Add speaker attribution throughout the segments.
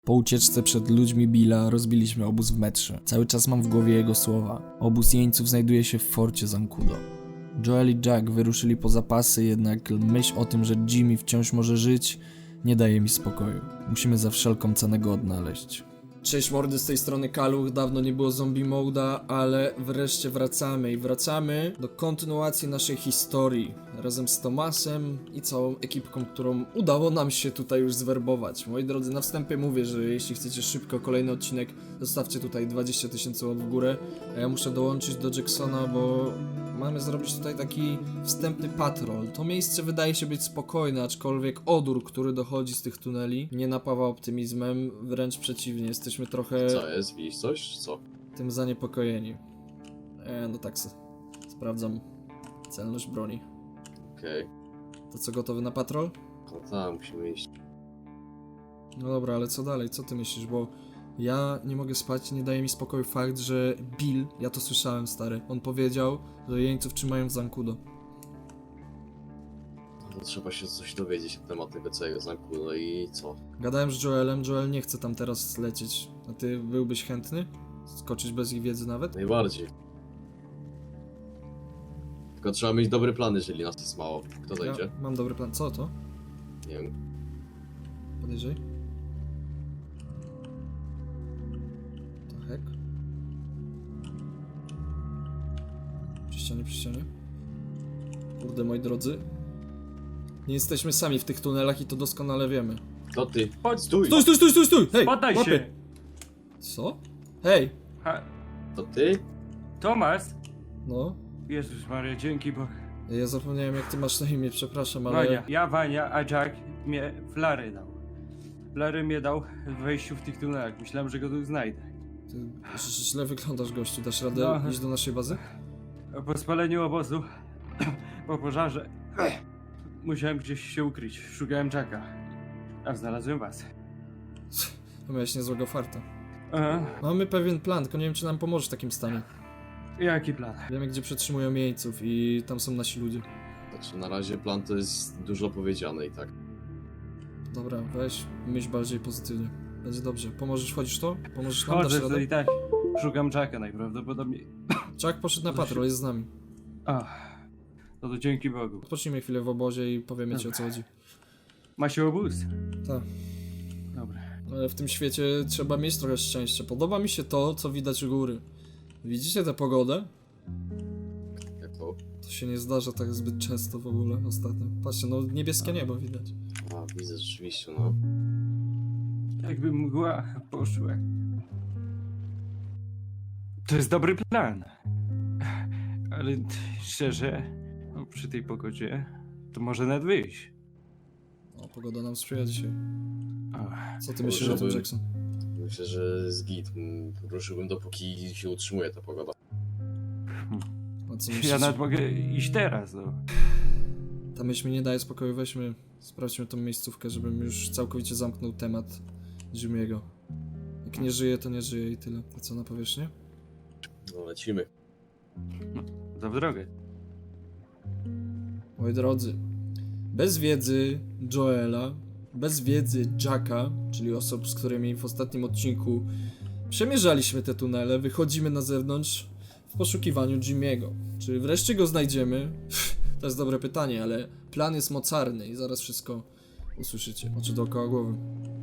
Speaker 1: Po ucieczce przed ludźmi Billa rozbiliśmy obóz w metrze. Cały czas mam w głowie jego słowa. Obóz jeńców znajduje się w forcie Zancudo. Joel i Jack wyruszyli po zapasy, jednak myśl o tym, że Jimmy wciąż może żyć, nie daje mi spokoju. Musimy za wszelką cenę go odnaleźć. Cześć mordy, z tej strony Kaluch, dawno nie było zombie moda, ale wreszcie wracamy do kontynuacji naszej historii razem z Tomasem i całą ekipką, którą udało nam się tutaj już zwerbować. Moi drodzy, na wstępie mówię, że jeśli chcecie szybko kolejny odcinek, zostawcie tutaj 20 000 łap w górę, a ja muszę dołączyć do Jacksona, bo mamy zrobić tutaj taki wstępny patrol. To miejsce wydaje się być spokojne, aczkolwiek odór, który dochodzi z tych tuneli, nie napawa optymizmem, wręcz przeciwnie, jesteśmy trochę
Speaker 2: Co jest? Widzisz coś? Co?
Speaker 1: tym zaniepokojeni. No tak, sprawdzam celność broni.
Speaker 2: Okej.
Speaker 1: To co, gotowy na patrol?
Speaker 2: No tak, musimy iść.
Speaker 1: No dobra, ale co dalej? Co ty myślisz? Bo ja nie mogę spać, nie daje mi spokoju fakt, że Bill, ja to słyszałem, stary, on powiedział, że jeńców trzymają w Zancudo.
Speaker 2: No to trzeba się coś dowiedzieć na temat tego całego znaku, no i co?
Speaker 1: Gadałem z Joelem, Joel nie chce tam teraz lecieć. A ty byłbyś chętny? Skoczyć bez ich wiedzy nawet?
Speaker 2: Najbardziej. Tylko trzeba mieć dobry plan, jeżeli nas jest mało. Kto zajdzie?
Speaker 1: Ja mam dobry plan. Co to?
Speaker 2: Nie wiem.
Speaker 1: Podejrzyj. To hek. Przy ścianie. Kurde, moi drodzy. Nie jesteśmy sami w tych tunelach i to doskonale wiemy.
Speaker 2: Kto ty?
Speaker 3: Chodź,
Speaker 2: Stój!
Speaker 1: Stój! Hej!
Speaker 3: Poddaj
Speaker 1: łapy.
Speaker 3: się!
Speaker 1: Co? Hej!
Speaker 3: Ha,
Speaker 2: To ty?
Speaker 3: Tomas!
Speaker 1: No.
Speaker 3: Jezus Maria, dzięki Bogu.
Speaker 1: Ja zapomniałem jak ty masz na imię, przepraszam, ale...
Speaker 3: Wania. Ja Wania, a Jack mnie flary dał. Flary mnie dał w wejściu w tych tunelach. Myślałem, że go tu znajdę.
Speaker 1: Ty źle wyglądasz, gościu. Dasz radę
Speaker 3: No.
Speaker 1: iść do naszej bazy?
Speaker 3: Po spaleniu obozu, po pożarze, musiałem gdzieś się ukryć. Szukałem Jacka. A znalazłem was.
Speaker 1: To miałeś niezłego farta.
Speaker 3: Aha.
Speaker 1: Mamy pewien plan, tylko nie wiem, czy nam pomoże w takim stanie.
Speaker 3: Jaki plan?
Speaker 1: Wiemy, gdzie przetrzymują jeńców i tam są nasi ludzie.
Speaker 2: Znaczy na razie plan to jest dużo powiedziane i tak.
Speaker 1: Dobra, weź, myśl bardziej pozytywnie. Będzie dobrze. Pomożesz, wchodzisz to? Pomożesz nam, dasz
Speaker 3: Chodzę to
Speaker 1: radę?
Speaker 3: i tak. Szukam Jacka najprawdopodobniej.
Speaker 1: Jack poszedł na patrol, jest z nami.
Speaker 3: Ach, no to dzięki Bogu.
Speaker 1: Odpocznijmy chwilę w obozie i powiemy ci, o co chodzi.
Speaker 3: Ma się obóz?
Speaker 1: Tak.
Speaker 3: Dobra.
Speaker 1: Ale w tym świecie trzeba mieć trochę szczęścia. Podoba mi się to, co widać u góry. Widzicie tę pogodę?
Speaker 2: Jako?
Speaker 1: To się nie zdarza tak zbyt często w ogóle ostatnio. Patrzcie, no niebieskie niebo widać.
Speaker 2: A, widzę rzeczywiście, no.
Speaker 3: Jakby mgła poszła. To jest dobry plan. Ale szczerze, no, przy tej pogodzie to może nawet wyjść.
Speaker 1: O, pogoda nam sprzyja dzisiaj.
Speaker 3: Ach,
Speaker 1: Co ty myślisz o tym,
Speaker 2: Żeby-
Speaker 1: Jackson?
Speaker 2: Myślę, że z git. Ruszyłbym dopóki się utrzymuje ta pogoda.
Speaker 1: A co
Speaker 3: ja
Speaker 1: myślisz?
Speaker 3: nawet mogę iść teraz, no.
Speaker 1: Ta myśl mi nie daje spokoju, weźmy, sprawdźmy tą miejscówkę, żebym już całkowicie zamknął temat Jimmy'ego. Jak nie żyje, to nie żyje i tyle. A co na powierzchnię?
Speaker 2: No lecimy.
Speaker 3: To w drogę.
Speaker 1: Moi drodzy, bez wiedzy Joela, bez wiedzy Jacka, czyli osób, z którymi w ostatnim odcinku przemierzaliśmy te tunele, wychodzimy na zewnątrz w poszukiwaniu Jimmy'ego. Czy wreszcie go znajdziemy? To jest dobre pytanie, ale plan jest mocarny i zaraz wszystko usłyszycie. Oczy dookoła głowy.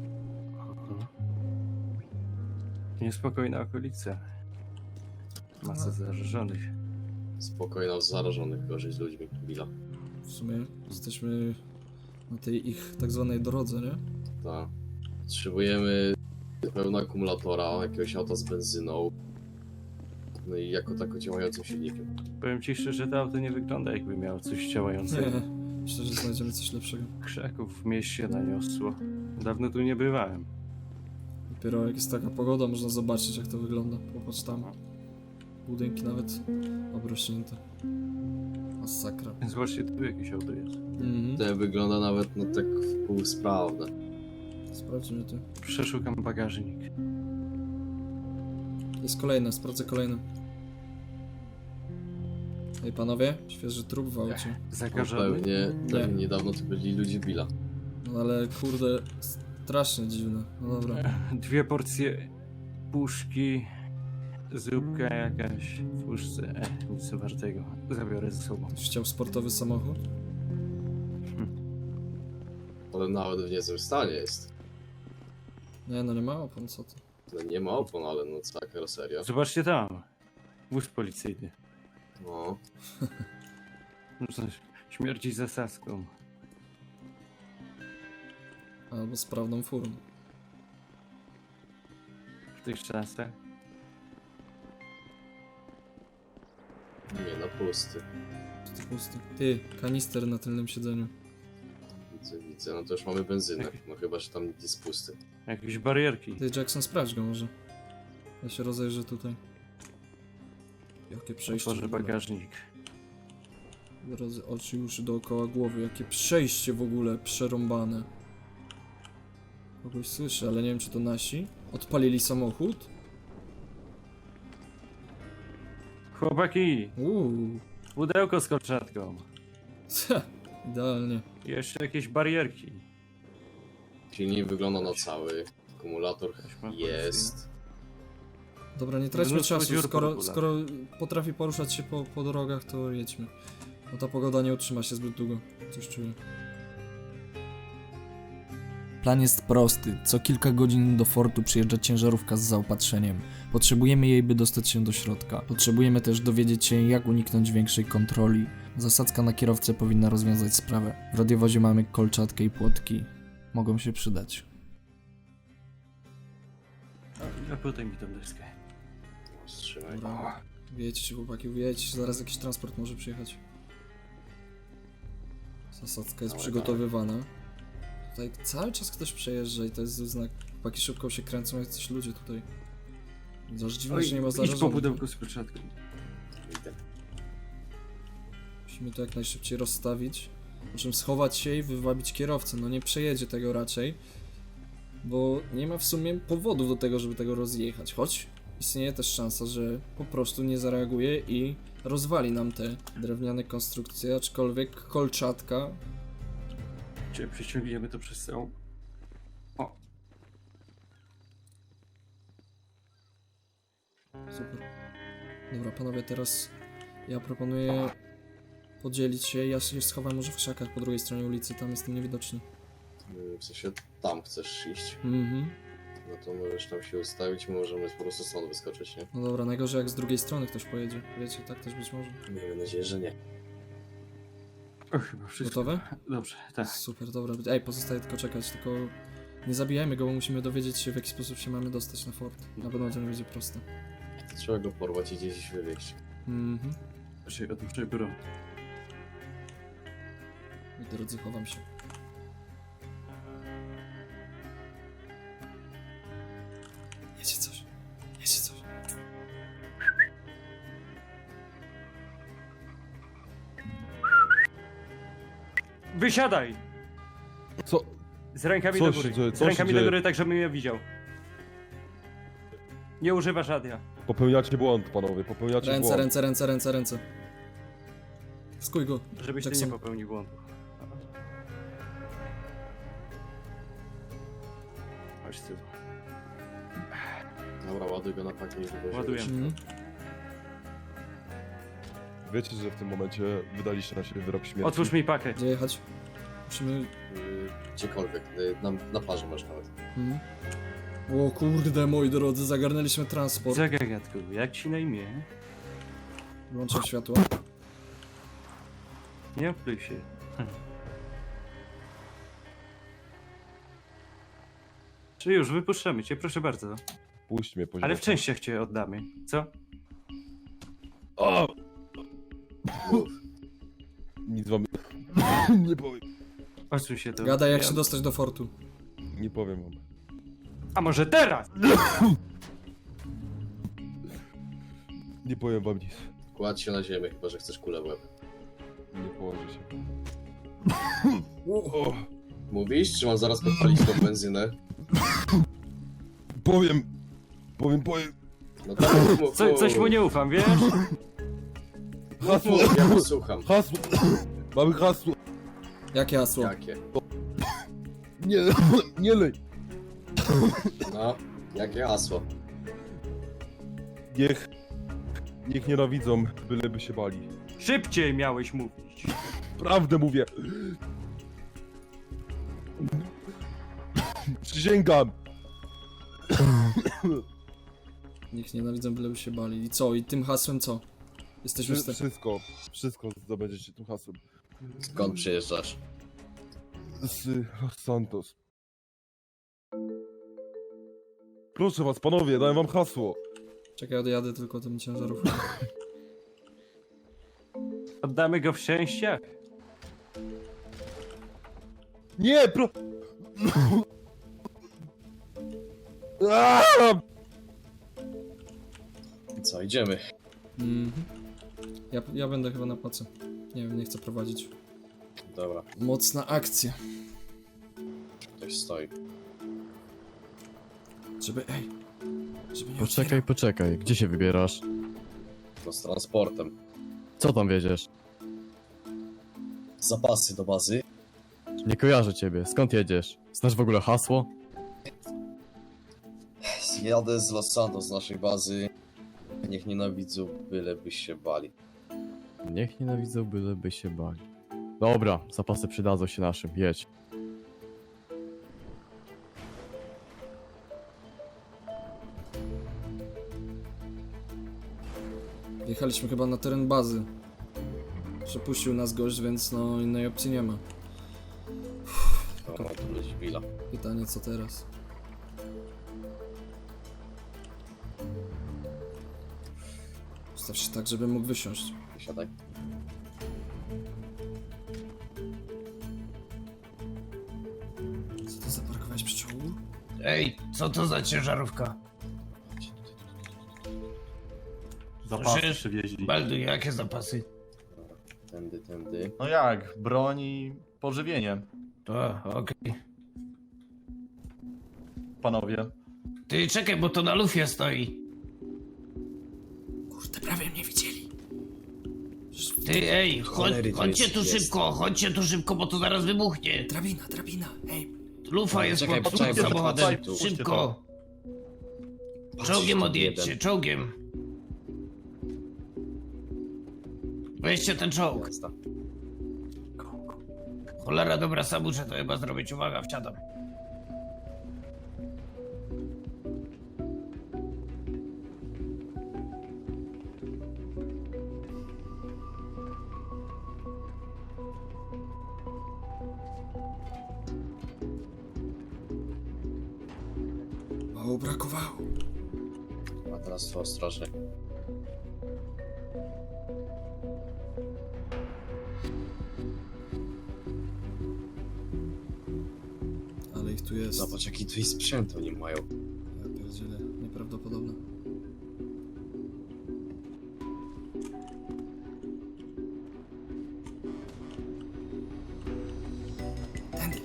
Speaker 3: Niespokojna okolica. Masa zarażonych.
Speaker 2: Spokojno, zarażonych gorzej z ludźmi. Billa.
Speaker 1: W sumie jesteśmy na tej ich tak zwanej drodze, nie?
Speaker 2: Tak. Potrzebujemy pełnego akumulatora, jakiegoś auta z benzyną. No i jako tako działającym silnikiem.
Speaker 3: Powiem ci szczerze, to auto nie wygląda jakby miało coś działającego.
Speaker 1: Nie, myślę, że znajdziemy coś lepszego.
Speaker 3: Krzaków w mieście naniosło. Dawno tu nie bywałem.
Speaker 1: Dopiero jak jest taka pogoda, można zobaczyć, jak to wygląda. Popatrz tam. Budynki nawet obrośnięte. Masakra.
Speaker 3: Zobaczcie, tu jakieś auto jest.
Speaker 2: To wygląda nawet no tak półsprawne.
Speaker 1: Sprawdźmy to.
Speaker 3: Przeszukam bagażnik.
Speaker 1: Jest kolejne, sprawdzę kolejne. Ej panowie, świeży trup w aucie.
Speaker 2: No
Speaker 3: Zakażony?
Speaker 2: pewnie niedawno to byli ludzie Billa.
Speaker 1: No ale kurde, Strasznie dziwne. No dobra.
Speaker 3: 2 porcje puszki, zupka jakaś w puszce. Nic wartego. Zabiorę ze sobą.
Speaker 1: Chciał sportowy samochód?
Speaker 2: Ale nawet w niezłym stanie jest.
Speaker 1: Nie, no nie ma opon, co ty.
Speaker 2: No nie ma opon, ale no cała karoseria.
Speaker 3: Zobaczcie tam. Wóz policyjny.
Speaker 2: No.
Speaker 3: Śmierci zasadzką.
Speaker 1: Albo sprawną furą.
Speaker 3: W tych czasach.
Speaker 2: Nie, na pusty.
Speaker 1: To pusty. Ty, kanister na tylnym siedzeniu.
Speaker 2: Widzę, no to już mamy benzynę. No chyba, że tam nic jest pusty.
Speaker 3: Jakieś barierki.
Speaker 1: Ty, Jackson, sprawdź go może. Ja się rozejrzę tutaj. Jakie przejście.
Speaker 3: Otworzę
Speaker 1: w ogóle.
Speaker 3: bagażnik.
Speaker 1: Drodzy, oczy i uszy dookoła głowy. Jakie przejście w ogóle przerąbane. Kogoś słyszę, ale nie wiem, czy to nasi. Odpalili samochód?
Speaker 3: Chłopaki! Pudełko z kolczatką.
Speaker 1: Idealnie.
Speaker 3: I jeszcze jakieś barierki.
Speaker 2: Silnik wygląda na cały. Akumulator
Speaker 3: ma
Speaker 2: jest.
Speaker 1: Dobra, nie traćmy
Speaker 3: Mnóstwo
Speaker 1: czasu.
Speaker 3: dziur po
Speaker 1: Skoro,
Speaker 3: regulach.
Speaker 1: skoro potrafi poruszać się po drogach, to jedźmy. Bo ta pogoda nie utrzyma się zbyt długo. Coś czuję. Plan jest prosty. Co kilka godzin do fortu przyjeżdża ciężarówka z zaopatrzeniem. Potrzebujemy jej, by dostać się do środka. Potrzebujemy też dowiedzieć się, jak uniknąć większej kontroli. Zasadzka na kierowcę powinna rozwiązać sprawę. W radiowozie mamy kolczatkę i płotki. Mogą się przydać.
Speaker 3: A podaj mi tą deskę.
Speaker 2: Wstrzymaj.
Speaker 1: Dobra. Wiecie się, chłopaki, wiecie się, zaraz jakiś transport może przyjechać. Zasadzka jest
Speaker 2: Dawaj,
Speaker 1: przygotowywana. Tutaj cały czas ktoś przejeżdża i to jest znak. Chłopaki szybko się kręcą, jak coś ludzie tutaj. Aż dziwne, że nie ma
Speaker 3: idź po
Speaker 1: zarażonych.
Speaker 3: pudełku z kolczatką.
Speaker 2: Idę.
Speaker 1: Musimy to jak najszybciej rozstawić. Po czym schować się i wywabić kierowcę. No nie przejedzie tego raczej. Bo nie ma w sumie powodów do tego, żeby tego rozjechać. Choć istnieje też szansa, że po prostu nie zareaguje i rozwali nam te drewniane konstrukcje, aczkolwiek kolczatka.
Speaker 3: Czy przyciągniemy to przez całą... O,
Speaker 1: Super. Dobra, panowie, teraz ja proponuję podzielić się. Ja się schowam może w krzakach po drugiej stronie ulicy, tam jestem niewidoczny.
Speaker 2: W sensie tam chcesz iść.
Speaker 1: Mhm.
Speaker 2: No to możesz tam się ustawić, my możemy po prostu stąd wyskoczyć, nie?
Speaker 1: No dobra, najgorzej jak z drugiej strony ktoś pojedzie. Wiecie, tak też być może.
Speaker 2: Miejmy nadzieję, że nie.
Speaker 3: o chyba wszystko.
Speaker 1: Gotowe?
Speaker 3: Dobrze, tak.
Speaker 1: Super, dobra. Ej, pozostaje tylko czekać, tylko nie zabijajmy go, bo musimy dowiedzieć się, w jaki sposób się mamy dostać na fort. Na pewno to nie będzie proste.
Speaker 2: Trzeba go porwać i gdzieś wywieźć.
Speaker 1: Mhm.
Speaker 3: Raczej odpuszczaj broń.
Speaker 1: I drodzy, chowam się. Jedzie coś. Jedzie coś.
Speaker 3: Wysiadaj!
Speaker 4: Co?
Speaker 3: Z rękami
Speaker 4: Co
Speaker 3: do
Speaker 4: się
Speaker 3: góry.
Speaker 4: dzieje?
Speaker 3: Z
Speaker 4: Co
Speaker 3: rękami
Speaker 4: się
Speaker 3: do
Speaker 4: dzieje?
Speaker 3: góry, tak żebym je widział. Nie używasz radia.
Speaker 4: Popełniacie błąd, panowie, popełniacie
Speaker 1: Ręce,
Speaker 4: błąd.
Speaker 1: ręce, ręce, ręce, ręce. Skuj go.
Speaker 3: Żebyś ty
Speaker 1: Jackson.
Speaker 3: nie popełnił błędu. Chodź tu.
Speaker 2: Dobra, ładuj go na pakiet i wywozimy.
Speaker 3: Ładujemy.
Speaker 1: Mhm.
Speaker 4: Wiecie, że w tym momencie wydaliście na siebie wyrok śmierci.
Speaker 3: Otwórz mi pakę.
Speaker 1: Gdzie jechać? Musimy...
Speaker 2: Gdziekolwiek, na plaży masz nawet.
Speaker 1: Mhm. O kurde, moi drodzy, zagarnęliśmy transport.
Speaker 3: Zagagatku, jak ci na imię?
Speaker 1: Włączam światło.
Speaker 3: Nie opluj się. Czy już, wypuszczamy cię, proszę bardzo.
Speaker 4: Puść mnie, poziom.
Speaker 3: Ale w częściach cię oddamy, co?
Speaker 4: O!
Speaker 2: Mów.
Speaker 4: Nic wam nie powiem.
Speaker 3: Odsuń się to.
Speaker 1: Gadaj, jak się dostać do fortu.
Speaker 4: Nie powiem wam.
Speaker 3: A może teraz?
Speaker 4: Nie powiem wam nic.
Speaker 2: Kładź się na ziemię, chyba że chcesz kulę w łeb.
Speaker 4: Nie położę się.
Speaker 1: O,
Speaker 4: O!
Speaker 2: Mówisz, czy mam zaraz podpalić tą benzynę?
Speaker 4: Powiem! Powiem!
Speaker 2: No tak, mów,
Speaker 3: Coś mu nie ufam, wiesz?
Speaker 4: Hasło!
Speaker 2: mów, ja posłucham.
Speaker 4: Hasło! Mamy hasło!
Speaker 1: jakie hasło?
Speaker 2: Jakie?
Speaker 4: Nie, nie lej!
Speaker 2: No, jakie hasło?
Speaker 4: Niech nienawidzą, byleby się bali.
Speaker 3: Szybciej miałeś mówić.
Speaker 4: Prawdę mówię! Przysięgam!
Speaker 1: Niech nienawidzą, byleby się bali. I co? I tym hasłem co? Jesteśmy w
Speaker 4: Wszystko zdobędziecie tym hasłem.
Speaker 2: Skąd przyjeżdżasz?
Speaker 4: Z Los Santos. Proszę was, panowie, dałem wam hasło.
Speaker 1: Czekaj, odjadę tylko tym ciężarówką.
Speaker 3: Oddamy go w szczęście?
Speaker 4: Nie, Aaaa!
Speaker 2: Co, idziemy?
Speaker 1: Mhm. Ja będę chyba na pace. Nie wiem, nie chcę prowadzić.
Speaker 2: Dobra,
Speaker 1: Mocna akcja.
Speaker 2: ktoś stoi.
Speaker 1: Żeby nie
Speaker 5: Poczekaj, poczekaj, gdzie się wybierasz?
Speaker 2: No z transportem.
Speaker 5: Co tam wiedziesz?
Speaker 2: Zapasy do bazy.
Speaker 5: Nie kojarzę ciebie, skąd jedziesz? Znasz w ogóle hasło?
Speaker 2: Jadę z Los Santos, z naszej bazy. Niech nienawidzą, byleby się bali.
Speaker 5: Niech nienawidzą, byleby się bali. Dobra, zapasy przydadzą się naszym, jedź.
Speaker 1: Jechaliśmy chyba na teren bazy. Przepuścił nas gość, więc no innej opcji nie ma.
Speaker 2: No, to będzie Billa.
Speaker 1: Pytanie co teraz? Ustaw się tak, żebym mógł wysiąść.
Speaker 2: Siadaj.
Speaker 1: Co to zaparkowałeś przy czołgu?
Speaker 6: Ej, co to za ciężarówka?
Speaker 3: Zapasy
Speaker 6: Słyszysz?
Speaker 3: przywieźli.
Speaker 6: Baldu, jakie zapasy?
Speaker 2: Tędy.
Speaker 7: No jak? Broń i pożywienie,
Speaker 6: To, okej.
Speaker 7: panowie.
Speaker 6: Ty czekaj, bo to na lufie stoi.
Speaker 1: Kurde, prawie mnie widzieli.
Speaker 6: Ty, ej,
Speaker 2: Cholery, tu
Speaker 6: chodźcie
Speaker 2: jest-
Speaker 6: tu
Speaker 2: jest.
Speaker 6: szybko, chodźcie tu szybko, bo to zaraz wybuchnie.
Speaker 1: Drabina, ej.
Speaker 6: Lufa jest
Speaker 2: Czekaj,
Speaker 6: pod
Speaker 2: poczekaj,
Speaker 6: samochodem.
Speaker 2: poczekaj, tu.
Speaker 6: Szybko.
Speaker 2: Patrz,
Speaker 6: Czołgiem
Speaker 2: tu
Speaker 6: odjedźcie,
Speaker 2: jeden.
Speaker 6: czołgiem. Weźcie ten czołg.
Speaker 2: Jazda.
Speaker 6: Cholera, dobra, sam muszę to chyba zrobić. Uwaga, wsiadam.
Speaker 1: Mało brakowało.
Speaker 2: A teraz to ostrożnie.
Speaker 1: Ale ich tu jest.
Speaker 2: Zobacz, jaki tu jest sprzęt oni mają.
Speaker 1: Ja pierdzielę, nieprawdopodobne. Tędy.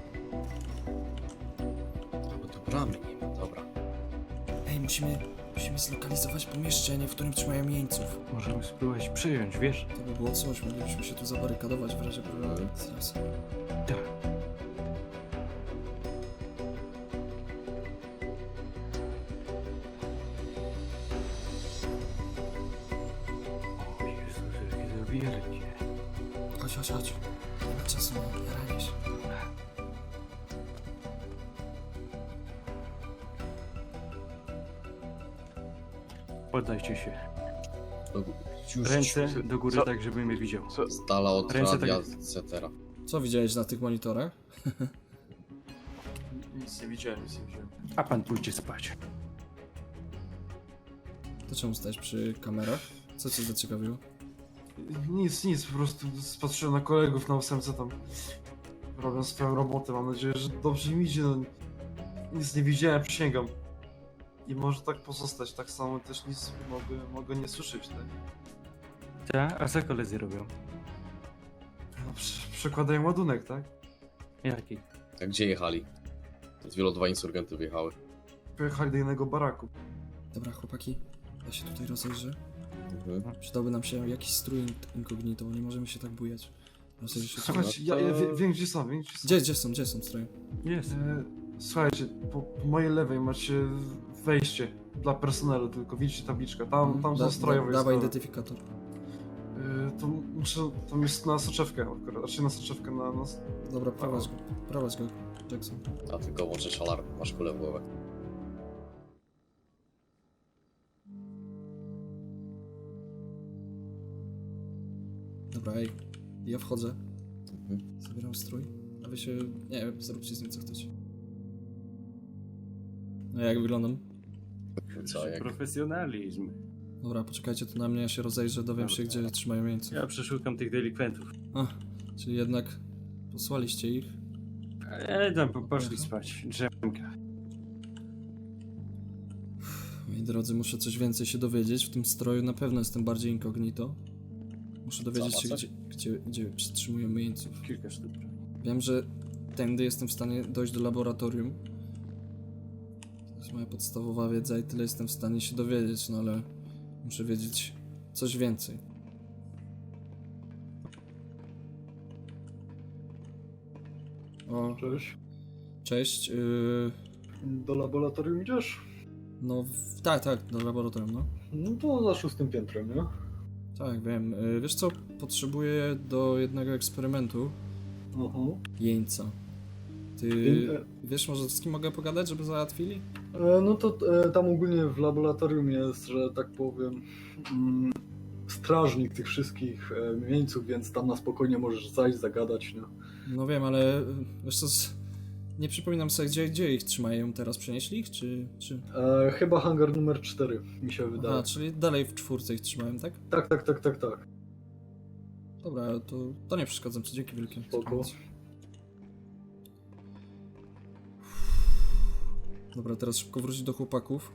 Speaker 2: Bo tu bramy nie ma, dobra.
Speaker 1: Ej, musimy zlokalizować pomieszczenie, w którym trzymają jeńców.
Speaker 3: Możemy spróbować przyjąć, wiesz?
Speaker 1: To by było coś, moglibyśmy się tu zabarykadować w razie problemu. Zaraz.
Speaker 3: Tak. O Jezus, jakie to wielkie.
Speaker 1: Chodź. Nie ma czasu na jaranie się.
Speaker 3: Poddajcie się.
Speaker 2: Już
Speaker 3: Ręce do góry
Speaker 4: Co?
Speaker 3: tak, żeby mnie widział.
Speaker 2: z dala od
Speaker 3: Ręce
Speaker 2: radia,
Speaker 3: tak-
Speaker 2: etc.
Speaker 1: Co widziałeś na tych monitorach?
Speaker 8: Nic nie widziałem.
Speaker 3: A pan pójdzie spać.
Speaker 1: To czemu stajesz przy kamerach? Co cię zaciekawiło?
Speaker 8: Nic, po prostu spatrzyłem na kolegów na ósemce tam. Robią swoją robotę, mam nadzieję, że dobrze im idzie, no. Nic nie widziałem, przysięgam. I może tak pozostać, tak samo też nic mogę nie słyszeć, tak?
Speaker 3: Tak? A co koledzy robią?
Speaker 8: No, przekładają ładunek, tak?
Speaker 3: Jaki?
Speaker 2: A gdzie jechali? Z wielu dwa insurgenty wyjechały.
Speaker 8: Pojechali do innego baraku.
Speaker 1: Dobra, chłopaki, ja się tutaj rozejrzę.
Speaker 2: Mhm.
Speaker 1: Przydałby nam się jakiś strój incognito, bo nie możemy się tak bujać. Rozejrzę się tutaj.
Speaker 8: Słuchajcie,
Speaker 2: No to-
Speaker 8: ja wiem gdzie są.
Speaker 1: Gdzie są stroje?
Speaker 3: Jest.
Speaker 8: Słuchajcie, po mojej lewej macie wejście dla personelu, tylko widzicie tabliczkę. Tam są stroje
Speaker 1: Dawaj
Speaker 8: wojskowe.
Speaker 1: identyfikator.
Speaker 8: To muszę, tam jest na soczewkę akurat, znaczy na soczewkę, na nas.
Speaker 1: Dobra, prowadź go, Jackson.
Speaker 2: A tylko włączysz alarm, masz kulę w głowę.
Speaker 1: Dobra, ej, ja wchodzę,
Speaker 2: Mhm.
Speaker 1: zabieram strój, a wy się, nie wiem, zróbcie z nim co chcecie. No jak wyglądam?
Speaker 2: Co, jak?
Speaker 3: Profesjonalizm.
Speaker 1: Dobra, poczekajcie tu na mnie, ja się rozejrzę, dowiem się, gdzie trzymają jeńców.
Speaker 3: Ja przeszukam tych delikwentów.
Speaker 1: A, czyli jednak posłaliście ich.
Speaker 3: Ale tam poszli spać. Drzemka.
Speaker 1: Moi drodzy, muszę coś więcej się dowiedzieć. W tym stroju na pewno jestem bardziej incognito. Muszę dowiedzieć się,
Speaker 2: Zobacz.
Speaker 1: gdzie przetrzymujemy jeńców.
Speaker 3: Kilka sztuk.
Speaker 1: Wiem, że tędy jestem w stanie dojść do laboratorium. To jest moja podstawowa wiedza i tyle jestem w stanie się dowiedzieć, no ale muszę wiedzieć coś więcej. O,
Speaker 9: Cześć.
Speaker 1: cześć.
Speaker 9: Do laboratorium idziesz?
Speaker 1: No, tak, do laboratorium, no.
Speaker 9: No to za 6. piętrem, nie?
Speaker 1: Tak, wiem. Wiesz co? Potrzebuję do jednego eksperymentu jeńca. Ty wiesz może z kim mogę pogadać, żeby załatwili?
Speaker 9: No to tam ogólnie w laboratorium jest, że tak powiem, strażnik tych wszystkich jeńców, więc tam na spokojnie możesz zajść, zagadać, nie?
Speaker 1: No wiem, ale wiesz co, nie przypominam sobie, gdzie ich trzymają teraz. Przenieśli ich, czy...
Speaker 9: Chyba hangar numer 4, mi się wydaje.
Speaker 1: Aha, czyli dalej w 4 ich trzymałem, tak?
Speaker 9: Tak.
Speaker 1: Dobra, to nie przeszkadzam ci, dzięki wielkie.
Speaker 9: Spoko.
Speaker 1: Dobra, teraz szybko wrócić do chłopaków.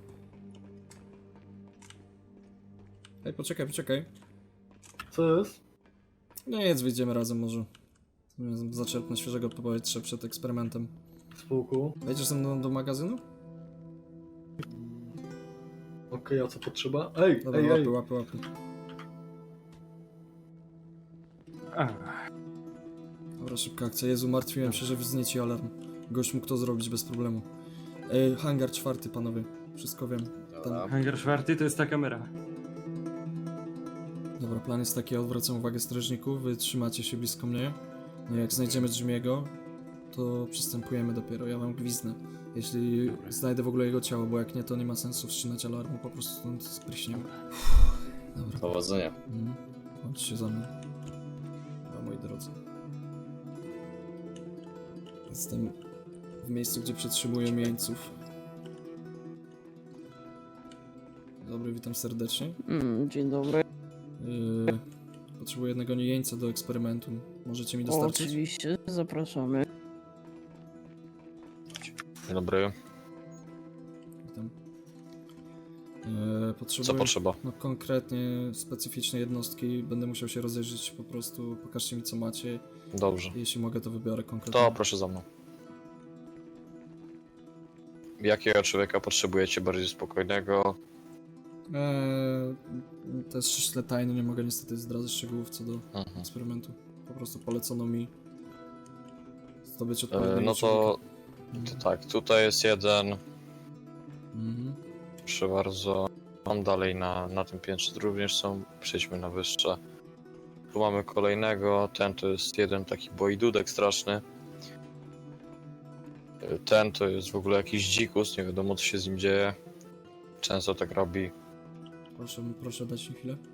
Speaker 1: Ej, poczekaj.
Speaker 9: Co jest?
Speaker 1: No jedz, wyjdziemy razem może. Zaczerpnę świeżego powietrza przed eksperymentem.
Speaker 9: Spoko.
Speaker 1: Wejdziesz ze mną do magazynu?
Speaker 9: Okej, a co potrzeba? Ej,
Speaker 1: Dobra,
Speaker 9: ej.
Speaker 1: łapy. Dobra, szybka akcja. Jezu, martwiłem się, że wznieci alarm. Gość mógł to zrobić bez problemu. Hangar 4, panowie. Wszystko wiem.
Speaker 2: Dobra.
Speaker 3: Hangar 4 to jest ta kamera.
Speaker 1: Dobra, plan jest taki, ja odwracam uwagę strażników, wy trzymacie się blisko mnie. No jak znajdziemy Jimmy'ego, to przystępujemy dopiero, ja wam gwizdnę. Jeśli znajdę w ogóle jego ciało, bo jak nie, to nie ma sensu wstrzymać alarmu, po prostu stąd spryśniemy. Dobra.
Speaker 2: Powodzenia.
Speaker 1: Chodźcie się za mną. Dobra, moi drodzy. Jestem w miejscu, gdzie przetrzymuję jeńców. Dobry, witam serdecznie.
Speaker 10: Dzień dobry.
Speaker 1: Potrzebuję jednego jeńca do eksperymentu. Możecie mi dostarczyć?
Speaker 10: Oczywiście, zapraszamy.
Speaker 11: Dzień dobry.
Speaker 1: Witam. Potrzebuję...
Speaker 11: Co potrzeba?
Speaker 1: No konkretnie specyficzne jednostki. Będę musiał się rozejrzeć po prostu. Pokażcie mi co macie.
Speaker 11: Dobrze.
Speaker 1: Jeśli mogę, to wybiorę konkretnie.
Speaker 11: To proszę za mną. Jakiego człowieka potrzebujecie? Bardziej spokojnego?
Speaker 1: To jest ściśle tajne, nie mogę niestety zdradzać szczegółów co do eksperymentu. Po prostu polecono mi zdobyć odpowiedniego
Speaker 11: No to tak, tutaj jest jeden. Proszę bardzo. Mam dalej na tym piętrze również są. Przejdźmy na wyższe. Tu mamy kolejnego. Ten to jest jeden taki bojdudek straszny. Ten to jest w ogóle jakiś dzikus, nie wiadomo co się z nim dzieje. Często tak robi.
Speaker 1: Proszę dać mi chwilę.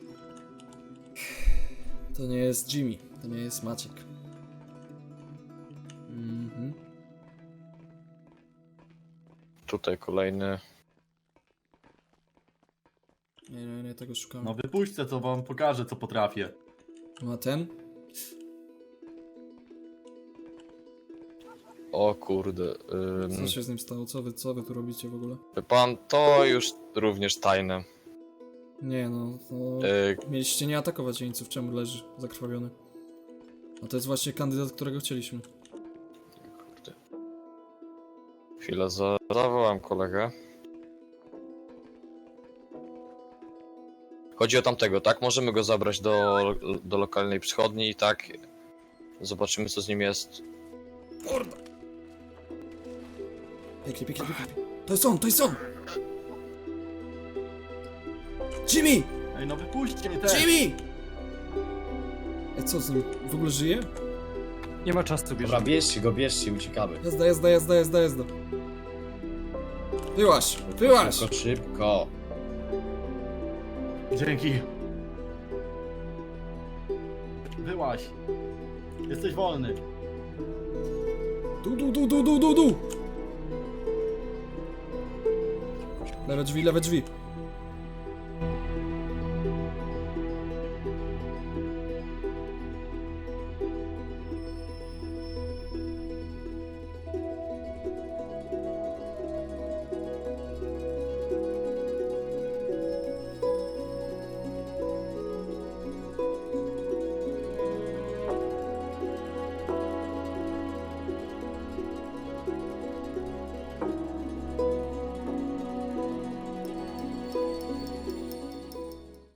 Speaker 1: To nie jest Jimmy, to nie jest Maciek.
Speaker 11: Tutaj kolejny.
Speaker 1: Nie, tego szukam.
Speaker 7: No wypuśćcie, co wam pokażę, co potrafię.
Speaker 1: No a ten?
Speaker 11: O kurde.
Speaker 1: Co się z nim stało? Co wy tu robicie w ogóle?
Speaker 11: Pan, to już również tajne.
Speaker 1: Nie no, to... Mieliście nie atakować jeńców, czemu leży zakrwawiony? A to jest właśnie kandydat, którego chcieliśmy.
Speaker 11: Kurde. Chwilę, zawołam kolegę. Chodzi o tamtego, tak? Możemy go zabrać do lokalnej przychodni i tak zobaczymy co z nim jest.
Speaker 1: Kurde! Pięknie, pięknie, pięknie. To jest on, to jest on! Jimmy!
Speaker 7: Ej, no wypuśćcie mnie też!
Speaker 1: Jimmy! Co z nim? W ogóle żyje?
Speaker 3: Nie ma czasu,
Speaker 2: Dobra, bierzcie go, bierzcie, uciekamy.
Speaker 1: Jazda, jazda, jazda, jazda, jazda. Wyłaź, wyłaź!
Speaker 2: Szybko, szybko.
Speaker 7: Dzięki. Wyłaź. Jesteś wolny.
Speaker 1: Du. Lewe drzwi, lewe drzwi.